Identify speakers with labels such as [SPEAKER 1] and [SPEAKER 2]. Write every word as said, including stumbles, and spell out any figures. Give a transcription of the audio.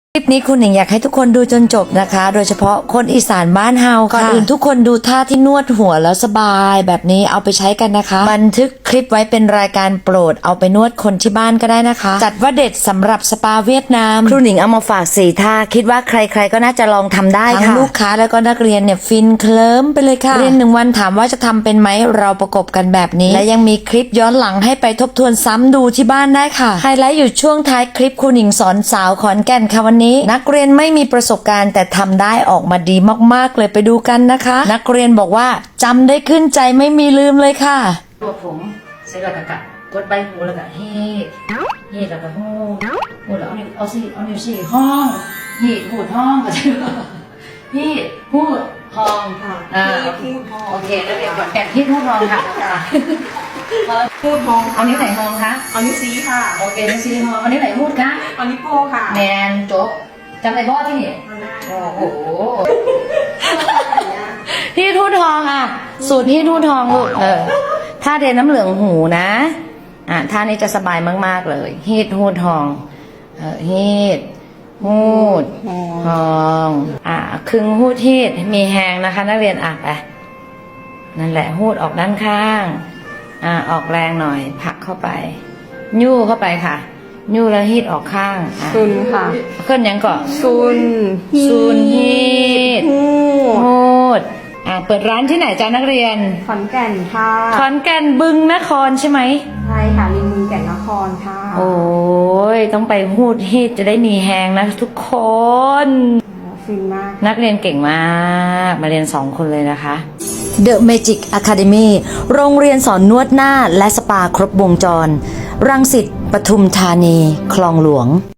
[SPEAKER 1] คลิปนี้คุณหนิงอยากให้ทุกคนดูจนจบนะคะโดยเฉพาะคนอีสานบ้านเฮาค่ะก่อนอื่นทุกคนดูท่าที่นวดหัวแล้วสบายแบบนี้เอาไปใช้กันนะคะบันทึกคลิปไว้เป็นรายการโปรดเอาไปนวดคนที่บ้านก็ได้นะคะจัดว่าเด็ดสำหรับสปาเวียดนามครูหนิงเอามาฝากสี่ท่าคิดว่าใครๆก็น่าจะลองทำได้ค่ะทั้งลูกค้าแล้วก็นักเรียนเนี่ยฟินเคลิ้มไปเลยค่ะเรียนหนึ่งวันถามว่าจะทำเป็นไหมเราประกบกันแบบนี้และยังมีคลิปย้อนหลังให้ไปทบทวนซ้ำดูที่บ้านได้ค่ะไฮไลท์อยู่ช่วงท้ายคลิปครูหนิงสอนสาวขอนแก่นค่ะวันนี้นักเรียนไม่มีประสบการณ์แต่ทำได้ออกมาดีมากๆเลยไปดูกันนะคะนักเรียนบอกว่าจำได้ขึ้นใจไม่มีลืมเลยค่ะตัวผมใส่กระกะกดใบหูแล้วก็เฮ็ดเฮ็ดแล้วก็หูหูแล้วเอานิ้วเอาสิเอานิ้วสี่ห้องเฮ็ดหูดห้องก็ใช่ไหมเฮ็ดหูดห้องอ่าโอเคแล้วเดี๋ยวก่อนแกะเฮ็ดหูดห้องค่ะหูดห้องเอานิ้วไหนห้องคะ
[SPEAKER 2] เอานิ้วชี้ค่ะ
[SPEAKER 1] โอเคนิ้วสี่ห้องเอานิ้วไหนหูดคะ
[SPEAKER 2] เอานิ้วโป้งค่ะ
[SPEAKER 1] แมนโจ๊กจำได้บ่ที่นี่โอ้โหพี่ทูตทองอ่ะสูตรพี่ทูตทองลูกเออถ้าเทน้ำเหลืองหูนะอ่ะท่านี้จะสบายมากๆเลยฮีดทูตทองเออฮีดหูดทองอ่ะครึ่งหูดฮีดมีแหงนะคะนักเรียนอ่ะไปนั่นแหละหูดออกด้านข้างอ่ะออกแรงหน่อยผลักเข้าไปยู่เข้าไปค่ะยู่แล้วฮีดออกข้าง
[SPEAKER 2] ซุนค่ะ
[SPEAKER 1] เคลื่อนยังก่อน
[SPEAKER 2] ซุน
[SPEAKER 1] ซุนฮีดฮูดอ่าเปิดร้านที่ไหนจ้านักเรียน
[SPEAKER 2] ขอนแก่นค่ะ
[SPEAKER 1] ขอนแก่นบึงนครใช่ไหม
[SPEAKER 2] ใช่ค่ะริมบึงแก่นนครค่ะ
[SPEAKER 1] โอ้ยต้องไปฮูดฮีดจะได้มีแฮงนะทุกคน
[SPEAKER 2] ฟินมาก
[SPEAKER 1] นักเรียนเก่งมากมาเรียนสองคนเลยนะคะ The Magic Academy โรงเรียนสอนนวดหน้าและสปาครบวงจรรังสิตปทุมธานีคลองหลวง